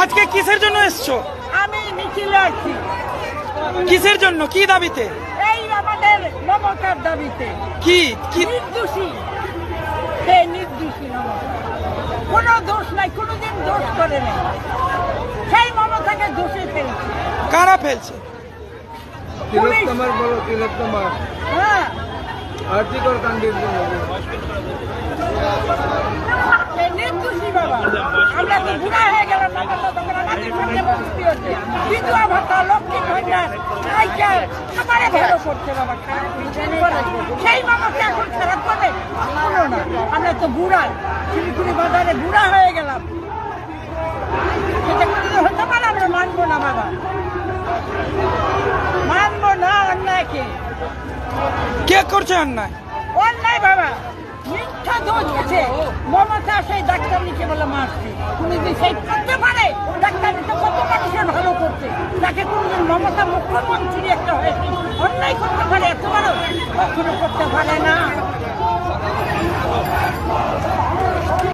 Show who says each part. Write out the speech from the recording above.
Speaker 1: আজকে কিসের জন্য এসছো?
Speaker 2: আমি মিছিলে আছি।
Speaker 1: কিসের জন্য, কি দাবিতে?
Speaker 2: এই আমাদের মমতার দাবিতে।
Speaker 1: কি কি
Speaker 2: নির্দোষী, সে নির্দোষী মমতা, কোনো দোষ নাই, কোনোদিন দোষ করে নেই, সেই মমতাকে দোষে ফেলছে।
Speaker 1: কারা ফেলছে?
Speaker 3: তিলোত্তমার বলো, তিলোত্তমার
Speaker 2: হ্যাঁ,
Speaker 3: আর্থিকর কাণ্ডের জন্য
Speaker 2: সে নির্দোষী বাবা। আমরা তো বুড়া হয়ে গেলাম, মমতা তখন আমাদের সঙ্গে মুক্তি হচ্ছে। বিধবা ভাতা, লক্ষ্মী ভান্ডার, সাইকেল আমারে ভালো করছে বাবা, খারাপ কিছু করে। সেই মমতা এখন খারাপ করে কোনো না। আমরা তো বুড়া, শিলিগুড়ি বাজারে বুড়া হয়ে গেলাম, সেটা কোনো হতে পারে? আমরা মানবো না বাবা, মানবো না অন্যায়কে।
Speaker 1: কে করছে অন্যায়?
Speaker 2: অন্যায় বাবা, মিথ্যা দোষ আছে। মমতা সেই ডাক্তার নিচে বলে মারছে, তুমি যে সেই করতে পারে? ডাক্তার নিচে কত মানুষের ভালো করছে, তাকে কোনদিন মমতা মুখ্যমন্ত্রী একটা হয়েছে অন্যায় করতে পারে? এত বড় কখনো করতে পারে না।